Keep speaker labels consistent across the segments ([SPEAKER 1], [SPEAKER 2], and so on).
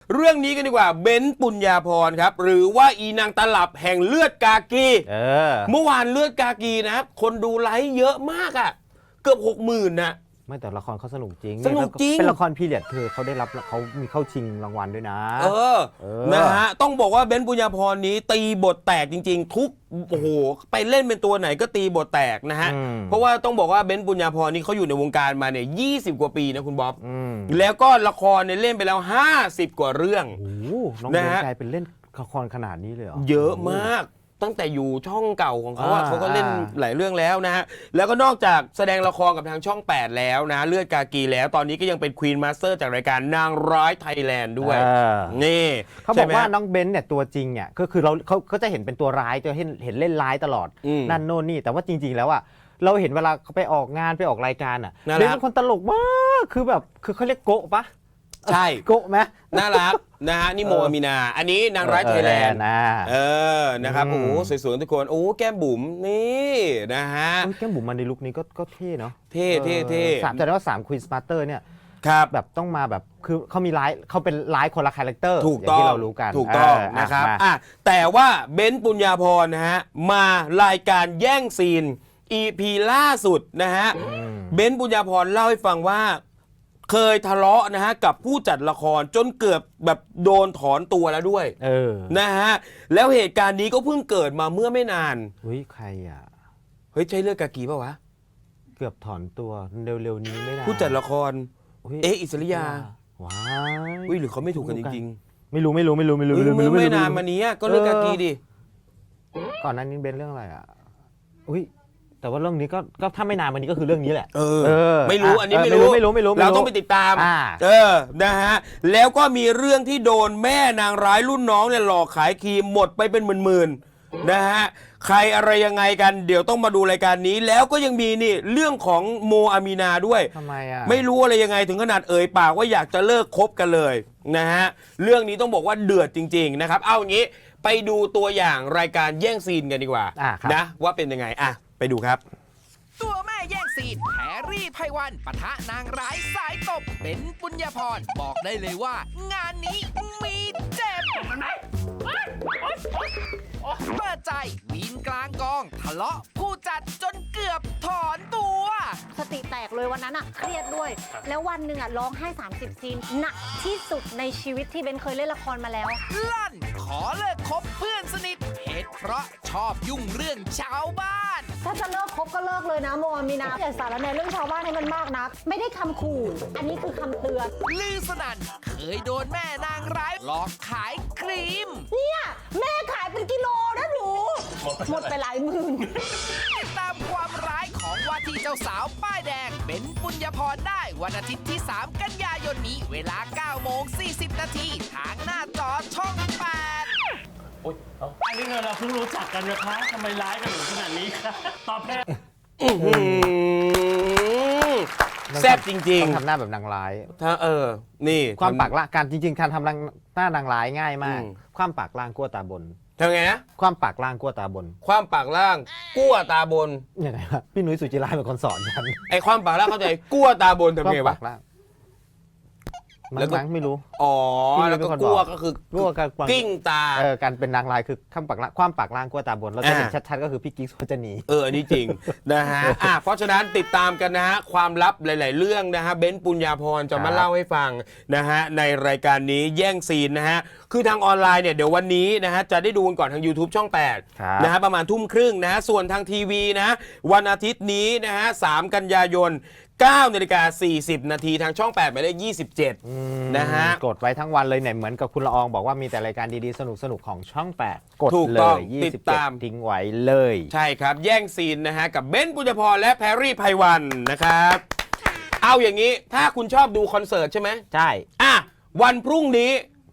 [SPEAKER 1] เรื่องนี้กันดีกว่าเบนซ์ปุญญาภรณ์ครับหรือว่าอีนางตลับแห่งเลือดกากีเมื่อวานเลือดกากีนะครับคนดูไลค์เยอะมากอ่ะเกือบ 60,000 นะ
[SPEAKER 2] ไม่แต่ละครเขาสนุกจริง
[SPEAKER 1] สนุกจริง
[SPEAKER 2] เป็นละครพีเรียดเขาได้รับเขามีเข้าชิงรางวัลด้วยนะ
[SPEAKER 1] นะฮะต้องบอกว่าเบนซ์ปุญญาภรณ์นี้ตีบทแตกจริงๆทุกโอ้โหไปเล่นเป็นตัวไหนก็ตีบทแตกนะฮะเพราะว่าต้องบอกว่าเบนซ์ปุญญาภรณ์นี้เขาอยู่ในวงการมาเนี่ย20 กว่าปีนะคุณบ๊อบแล้วก็ละครเนี่ยเล่นไปแล้ว50 กว่าเรื่อง
[SPEAKER 2] โอ้น้องเบนซ์กลายเป็นเล่นละครขนาดนี้เลยเหรอ
[SPEAKER 1] เยอะมากตั้งแต่อยู่ช่องเก่าของเขาเขาก็เล่นหลายเรื่องแล้วนะฮะแล้วก็นอกจากแสดงละครกับทางช่อง8แล้วนะเลือดกากีแล้วตอนนี้ก็ยังเป็นควีนมาสเตอร์จากรายการนางร้ายไทยแลนด์ด้วยนี่
[SPEAKER 2] เขาบอกว่าน้องเบนซ์เนี่ยตัวจริงเนี่ยก็คือเขาจะเห็นเป็นตัวร้ายจะเห็นเล่นร้ายตลอดนั่นโน่นนี่แต่ว่าจริงๆแล้วอ่ะเราเห็นเวลาเขาไปออกงานไปออกรายการอ่ะเบนซ์เป็นคนตลกมากคือแบบคือเขาเรียกโกะปะ
[SPEAKER 1] ใช่
[SPEAKER 2] โกะไหม
[SPEAKER 1] น่ารักนะฮะนี่โมอามีนาอันนี้นางร้ายไทยแลนด์นะครับโอ้โหสวยๆทุกคนโอ้แก้มบุ๋มนี่นะฮะ
[SPEAKER 2] แก้มบุ๋มมาในลุคนี้ก็เท่เนาะ
[SPEAKER 1] เท่
[SPEAKER 2] แต่ว่า3 Queen Smarter เนี่ย
[SPEAKER 1] ครับ
[SPEAKER 2] แบบต้องมาแบบคือเขามีเขาเป็นร้ายคนละคาแรคเตอร์
[SPEAKER 1] ถูกต้อง
[SPEAKER 2] ที่เรารู้กัน
[SPEAKER 1] ถูกต้องนะครับแต่ว่าเบนซ์ปุญญาภรณ์นะฮะมารายการแย่งซีน EP ล่าสุดนะฮะเบนซ์ปุญญาภรณ์เล่าให้ฟังว่าเคยทะเลาะนะฮะกับผู้จัดละครจนเกือบแบบโดนถอนตัวแล้วด้วยนะฮะแล้วเหตุการณ์นี้ก็เพิ่งเกิดมาเมื่อไม่นาน
[SPEAKER 2] เฮ้ยใครอ่ะ
[SPEAKER 1] เฮ้ยใช่เลือดกากีป่าวะ
[SPEAKER 2] เกือบถอนตัวเร็วๆนี้ไม่นาน
[SPEAKER 1] ผู้จัดละครอิสริยา
[SPEAKER 2] ว้าย
[SPEAKER 1] หรือเขาไม่ถูกกันจริง
[SPEAKER 2] ๆไม่รู้ไม่
[SPEAKER 1] นานมานี้ก็เลือดกากีดิ
[SPEAKER 2] ก่อนนั้นนี้เป็นเรื่องอะไรอ่ะอุ้ยแต่ว่าเรื่องนี้ก็ถ้าไม่นานวันนี้ก็คือเรื่องนี้แหละ
[SPEAKER 1] ไม่รู้อันนี้ไม่รู้เราต้องไปติดตามนะฮะแล้วก็มีเรื่องที่โดนแม่นางร้ายรุ่นน้องเนี่ยหลอกขายครีมหมดไปเป็นหมื่นๆนะฮะใครอะไรยังไงกันเดี๋ยวต้องมาดูรายการนี้แล้วก็ยังมีนี่เรื่องของโมอามีนาด้วย
[SPEAKER 2] ทำไมอ่ะ
[SPEAKER 1] ไม่รู้อะไรยังไงถึงขนาดเอ่ยปากว่าอยากจะเลิกคบกันเลยนะฮะเรื่องนี้ต้องบอกว่าเดือดจริงๆนะครับเอาอย่างนี้ไปดูตัวอย่างรายการแย่งซีนกันดีกว่านะว่าเป็นยังไงไปดูครับ
[SPEAKER 3] ตัวแม่แย่งซีนแพรรี่ไพวันปะทะนางร้ายสายตบเบนซ์ปุญญาภรณ์บอกได้เลยว่างานนี้มีเจ็บเปิดใจวีนกลางกองทะเลาะผู้จัดจนเกือบถอนตัว
[SPEAKER 4] สติแตกเลยวันนั้นเครียดด้วยแล้ววันหนึ่งร้องไห้30 ซีนหนักที่สุดในชีวิตที่เบนเคยเล่นละครมาแล้ว
[SPEAKER 3] ลั่นขอเลิกคบเพื่อนสนิทเหตุเพราะชอบยุ่งเรื่องชาวบ้าน
[SPEAKER 4] ถ้าจะเลิกคบก็เลิกเลยนะโมอามีนาอย่าสารแหน่เรื่องชาวบ้านให้มันมากนักไม่ได้คำขู่อันนี้คือคำเตือน
[SPEAKER 3] ลือสนั่นเคยโดนแม่นางร้ายหลอกขายครีม
[SPEAKER 4] เนี่ยแม่ขายเป็นกิโลนะหนูหมดไปหลายหมื่น
[SPEAKER 3] ติดตามความร้ายของว่าที่เจ้าสาวป้ายแดงเบนซ์ปุญญาภรณ์ได้วันอาทิตย์ที่3 กันยายนนี้เวลา 9:40 นาทีทางหน้าจอช่อง8
[SPEAKER 5] อันนี้เราเพิ่งรู้จักกันนะคะทำไมร้ายกันถึงขนาดนี้คะตอบแทน
[SPEAKER 1] แซ่บจริง
[SPEAKER 2] ๆทำหน้าแบบนางร้าย
[SPEAKER 1] นี่
[SPEAKER 2] ความปากล่างการจริงๆการทำหน้านางร้ายง่ายมากความปากล่างกั้วตาบน
[SPEAKER 1] ทำไงนะ
[SPEAKER 2] ความปากล่างกั้วตาบน
[SPEAKER 1] ความปากล่างกั้วตาบน
[SPEAKER 2] ยังไงวะพี่นุ้ยสุจิราเป็นคนสอนกัน
[SPEAKER 1] ไอ้ความปากล่างเข้าใจกั้วตาบนทำไงวะ
[SPEAKER 2] แล้วก็ไม่รู้
[SPEAKER 1] แล้วก็กั้วก็คือกิ้งตา
[SPEAKER 2] การเป็นนางร้ายคือความปากล่างกั้วตาบนเราจะเห็นชัดๆก็คือพี่กิ๊กสุวรรณี
[SPEAKER 1] อันนี้จริงนะฮะเพราะฉะนั้นติดตามกันนะฮะความลับหลายๆเรื่องนะฮะเบนซ์ปุญญาภรณ์จะมาเล่าให้ฟังนะฮะในรายการนี้แย่งซีนนะฮะคือทางออนไลน์เนี่ยเดี๋ยววันนี้นะฮะจะได้ดูกันก่อนทาง YouTube ช่อง8นะฮะประมาณ 20:30 นะฮะส่วนทางทีวีนะวันอาทิตย์นี้นะฮะ3 กันยายน9:40 นาทีทางช่อง8หมายเลข27นะฮะ
[SPEAKER 2] กดไว้ทั้งวันเลยเนี่ยเหมือนกับคุณละอองบอกว่ามีแต่รายการดีๆสนุกๆของช่อง8กดเลย
[SPEAKER 1] ติดตาม
[SPEAKER 2] ทิ้งไว้เลย
[SPEAKER 1] ใช่ครับแย่งซีนนะฮะกับเบนซ์ปุญญาภรณ์และแพรรี่ไพวันนะครับเอาอย่างนี้ถ้าคุณชอบดูคอนเสิร์ตใช่ไหม
[SPEAKER 2] ใช่
[SPEAKER 1] วันพรุ่งนี้ไป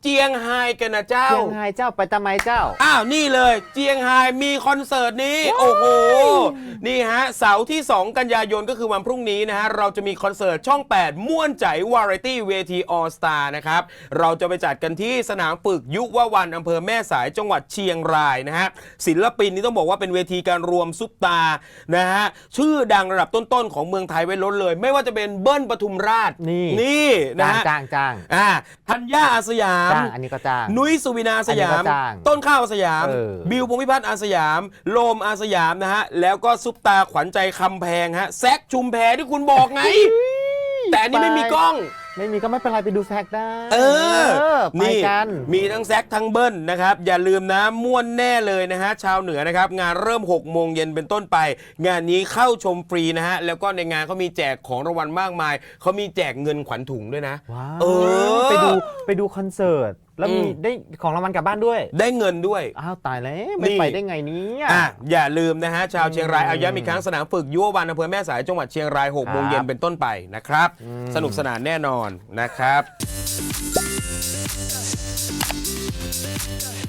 [SPEAKER 1] เจียงไฮ้กันนะเจ้า
[SPEAKER 2] เชียงไฮ้เจ้าไปทำไมเจ้า
[SPEAKER 1] อ้าวนี่เลยเจียงไฮ้มีคอนเสิร์ตนี้โอ้โหนี่ฮะเสาร์ที่ 2 กันยายนก็คือวันพรุ่งนี้นะฮะเราจะมีคอนเสิร์ตช่อง 8 ม่วนใจวาไรตี้เวทีออสตานะครับเราจะไปจัดกันที่สนามฝึกยุววันอำเภอแม่สายจังหวัดเชียงรายนะฮะศิลปินนี่ต้องบอกว่าเป็นเวทีการรวมซุปตานะฮะชื่อดังระดับต้นๆของเมืองไทยไว้ล้นเลย ไม่ว่าจะเป็นเบิ้ลปทุมราชนี่นะฮะ
[SPEAKER 2] จ้าง
[SPEAKER 1] ธัญญาอาสยาม
[SPEAKER 2] จ้างอันนี้ก็จ้าง
[SPEAKER 1] นุ้ยสุวินาสยาม
[SPEAKER 2] อันนี้ก็จ้าง
[SPEAKER 1] ต้นข้าวอาสยาม บิวพงษ์พิพัฒน์อาสยาม โลมอาสยามนะฮะ แล้วก็ซุปตาขวัญใจคำแพงฮะ แซคชุมแพที่คุณบอกไง แต่อันนี้ไม่มีกล้อง
[SPEAKER 2] ไม่มีก็ไม่เป็นไรไปดูแซกได้ ไป
[SPEAKER 1] นี่
[SPEAKER 2] กัน
[SPEAKER 1] มีทั้งแซคทั้งเบิ้ลนะครับ อย่าลืมนะม่วนแน่เลยนะฮะ ชาวเหนือนะครับ งานเริ่ม 6 โมงเย็นเป็นต้นไป งานนี้เข้าชมฟรีนะฮะ แล้วก็ในงานเขามีแจกของรางวัลมากมาย เขามีแจกเงินขวัญถุงด้วยนะ
[SPEAKER 2] ว้าว
[SPEAKER 1] เออ
[SPEAKER 2] ไปดูคอนเสิร์ตแล้วมีได้ของรางวัลกลับบ้านด้วย
[SPEAKER 1] ได้เงินด้วย
[SPEAKER 2] อ้าวตายแล้วไม่ไปได้ไงเนี้
[SPEAKER 1] อย่าลืมนะฮะชาวเชียงรายเอาย้ำอีกครั้งสนามฝึกยุววันอำเภอแม่สายจังหวัดเชียงราย6 โมงเย็นเป็นต้นไปนะครับ สนุกสนานแน่นอนนะครับ